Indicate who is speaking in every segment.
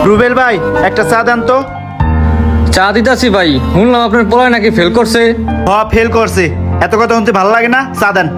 Speaker 1: রুবেল ভাই একটা চা দেন তো।
Speaker 2: চা দিতাছি ভাই, শুনলাম আপনার পোলায় নাকি ফেল করছে।
Speaker 1: ফেল করছে, এত কথা শুনতে ভালো লাগে না, চা দেন।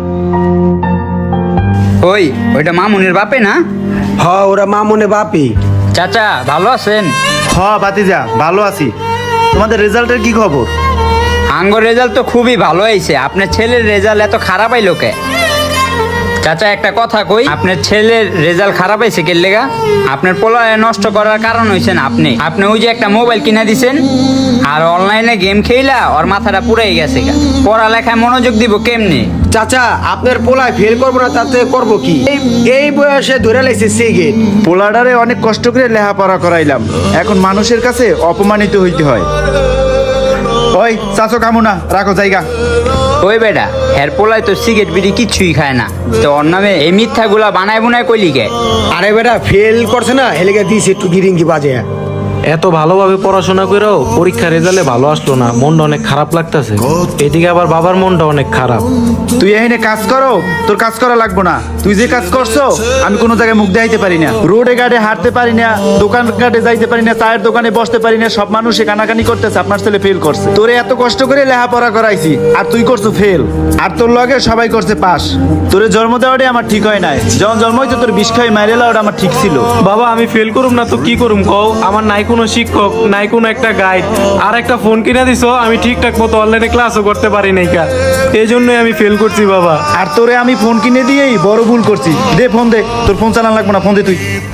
Speaker 3: ওইটা মামুনের বাপে না?
Speaker 4: ওরা মামুনে বাপি।
Speaker 3: চাচা ভালো আছেন?
Speaker 1: ভাতিজা ভালো আছি। তোমাদের রেজাল্টের কি খবর?
Speaker 3: আঙ্গর রেজাল্ট তো খুবই ভালো হয়েছে। আপনার ছেলের রেজাল্ট এত খারাপ আইলো কে? চাচা একটা কথা কই, আপনার ছেলের রেজাল্ট খারাপ হয়েছে কে লেগা? আপনার পোলায় নষ্ট করার কারণ হয়েছেন আপনি। আপনি ওই যে একটা মোবাইল কিনা দিছেন আর অনলাইনে গেম খেলা ওর মাথাটা পুরাই গেছে গা। পড়ালেখায় মনোযোগ দিব কেমনে?
Speaker 4: চাচা আপনার পোলায় ফেল করবো না তাতে করবো কি? এই বয়সে ধরে লাইছে সিগারেট।
Speaker 1: পোলাডারে অনেক কষ্ট করে লেখাপড়া করাইলাম, এখন মানুষের কাছে অপমানিত হইতে হয়। ওই চাচো কামু না, রাখো জায়গা।
Speaker 3: ওই বেটা হের পোলায় তো সিগারেট বিড়ি কিচ্ছুই খায় না, তো ওর নামে এই মিথ্যাগুলা বানায় বুনায় কইলি কে?
Speaker 4: আরে বেটা ফেল করছে না, হেলেগে দিয়েছে একটু গিরিঙ্গি বাজে।
Speaker 5: এত ভালোভাবে পড়াশোনা করেও পরীক্ষার রেজাল্টে ভালো আসলো না, মনটা অনেক খারাপ লাগতেছে। এদিকে আবার বাবার মনটা অনেক খারাপ।
Speaker 1: তুই এখানে কাজ করো, তোর কাজ করা লাগবো না। তুই যে কাজ করছো আমি কোনো জায়গায় মুখ দেখাইতে পারি না, রোডে ঘাটে হাঁটতে পারি না, দোকান ঘাটে যাইতে পারি না, চায়ের দোকানে বসতে পারি না। সব মানুষে কানাকানি করতেছে আপনার ছেলে ফেল করছে। তোরে এত কষ্ট করে লেখাপড়া করাইছি আর তুই করছো ফেল, আর তোর লগে সবাই করছে পাস। তোরে জন্ম দেওয়াটাই আমার ঠিক হয় নাই, যখন জন্ম হইতো তোর বিষ খাই মাইরে ওটা আমার ঠিক ছিল।
Speaker 5: বাবা আমি ফেল করুম না তো কি করুম কও? আমার নাই কোনো শিক্ষক, নাই কোনো একটা গাইড, আর একটা ফোন কিনে দিছো, আমি ঠিকঠাক মতো অনলাইনে ক্লাসও করতে পারি নাই কা, এই জন্যই আমি ফেল করছি বাবা।
Speaker 1: আর তোরে আমি ফোন কিনে দিয়েই বড় ভুল করছি। দে ফোন দে, তোর ফোন চালান লাগবো না, ফোন দে তুই।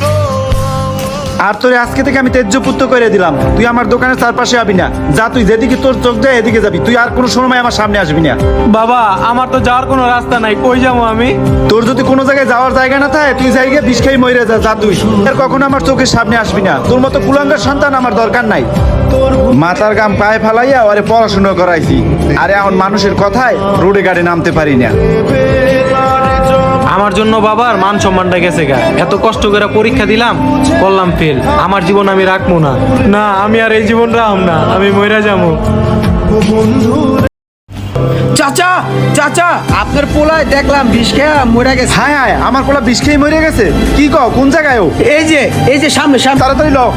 Speaker 1: আর তোরে আজকে থেকে আমি তেজ্যপুত্র করে দিলাম, তুই আমার দোকানের চারপাশে আবি না। যা তুই যেদিকে তোর চোখ দেয় এদিকে যাবি, তুই আর কোনো সময় আমার সামনে আসবি না।
Speaker 5: বাবা আমার তো যাওয়ার কোনো রাস্তা নাই, কই যাবো আমি?
Speaker 1: তোর যদি কোনো জায়গায় যাওয়ার জায়গা না থাকে তুই জায়গায় বিষ খাই মরে যা, যা তুই আর কখনো আমার চোখের সামনে আসবি না। তোর মতো কুলাঙ্গার সন্তান আমার দরকার নাই। মাথার গাম পায়ে ফালাইয়া ওরে পড়াশোনা করাইছি, আর এখন মানুষের কথায় রোডে গাড়ি নামতে পারি না।
Speaker 5: আমার জন্য বাবার মান সম্মানটা গেছে গা। এত কষ্ট করে পরীক্ষা দিলাম, করলাম ফেল। আমার জীবন আমি রাখবো না, না আমি আর এই জীবন রাখব না, আমি মইরা যাবো।
Speaker 4: চাচা চাচা আপনার পোলায় দেখলাম বিষ খেয়া মরে গেছে।
Speaker 1: হায় হায়, আমার পোলা বিষ খেয়ে মরে গেছে? কি কও, কোন জায়গায় ও?
Speaker 4: এই যে সামনে সামনে।
Speaker 1: তাড়াতাড়ি ল।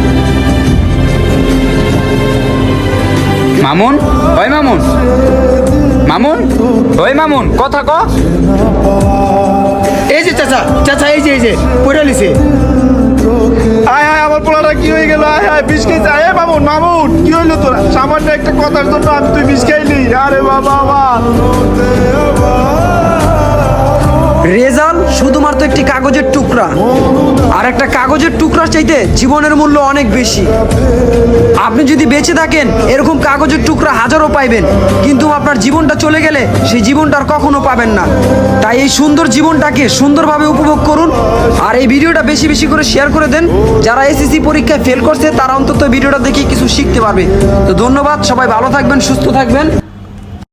Speaker 3: মামুন, ওই মামুন, মামুন, ওই মামুন, কথা ক।
Speaker 4: এই যে চাচা চাচা এই যে পড়ে লিছে।
Speaker 1: আয় হায়, আমার পোলাটা কি হয়ে গেল? আয় হায়, বিষ খেয়েছে। আয় মামুন, মামুন কি হইলো তোরা? সামান্য একটা কথার জন্য আমি তুই বিষ খাইলি? আরে বাবা আমার
Speaker 6: রেজাল্ট শুধুমাত্র একটি কাগজের টুকরা, আর একটা কাগজের টুকরার চাইতে জীবনের মূল্য অনেক বেশি। আপনি যদি বেঁচে থাকেন এরকম কাগজের টুকরা হাজারো পাইবেন, কিন্তু আপনার জীবনটা চলে গেলে সেই জীবনটা আর কখনো পাবেন না। তাই এই সুন্দর জীবনটাকে সুন্দরভাবে উপভোগ করুন, আর এই ভিডিওটা বেশি বেশি করে শেয়ার করে দেন। যারা এসএসসি পরীক্ষায় ফেল করছে তারা অন্তত ভিডিওটা দেখে কিছু শিখতে পারবে। তো ধন্যবাদ, সবাই ভালো থাকবেন, সুস্থ থাকবেন।